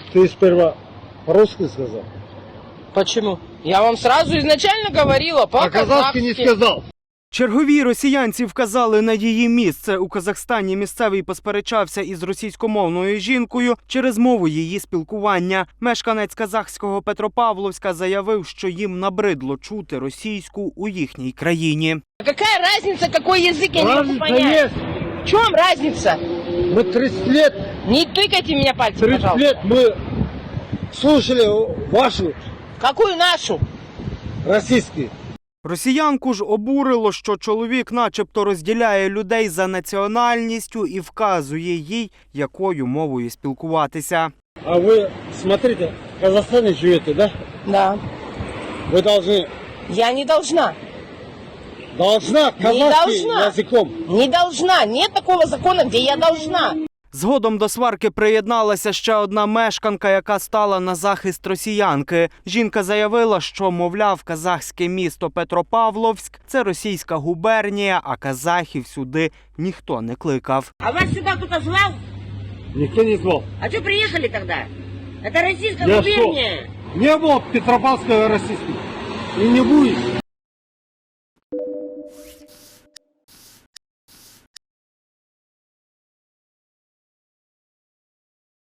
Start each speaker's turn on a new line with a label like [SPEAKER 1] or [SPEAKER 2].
[SPEAKER 1] Ты сперва по-русски сказал,
[SPEAKER 2] Почему? Я вам сразу изначально говорила
[SPEAKER 1] а казахский не
[SPEAKER 2] по-казахски.
[SPEAKER 1] сказал.
[SPEAKER 3] Чергові росіянці вказали на її місце. У Казахстані місцевий посперечався із російськомовною жінкою через мову її спілкування. Мешканець казахського Петропавловська заявив, що їм набридло чути російську у їхній країні.
[SPEAKER 2] Какая разница, какой язык, я не могу
[SPEAKER 1] Разница
[SPEAKER 2] понять.
[SPEAKER 1] есть.
[SPEAKER 2] В чем разница?
[SPEAKER 1] Мы 30 лет,
[SPEAKER 2] Не тыкайте меня пальцем,
[SPEAKER 1] 30
[SPEAKER 2] пожалуйста.
[SPEAKER 1] лет мы слушали вашу
[SPEAKER 2] Какую нашу?
[SPEAKER 1] российские.
[SPEAKER 3] Росіянку ж обурило, що чоловік начебто розділяє людей за національністю і вказує їй, якою мовою спілкуватися.
[SPEAKER 1] А вы, смотрите, в Казахстане живете, да?
[SPEAKER 2] Да.
[SPEAKER 1] Вы должны,
[SPEAKER 2] Я не должна.
[SPEAKER 1] казахский
[SPEAKER 2] должна.
[SPEAKER 1] языком.
[SPEAKER 2] Не должна. Нет такого закона, где я должна.
[SPEAKER 3] Згодом до сварки приєдналася ще одна мешканка, яка стала на захист росіянки. Жінка заявила, що, мовляв, казахське місто Петропавловськ – це російська губернія, а казахів сюди ніхто не кликав.
[SPEAKER 4] А вас сюда кто-то звал?
[SPEAKER 1] Никто не звал.
[SPEAKER 4] А что приехали тогда? Это российская
[SPEAKER 1] Я
[SPEAKER 4] губерния.
[SPEAKER 1] Не было Петропавловского российского. И не будет.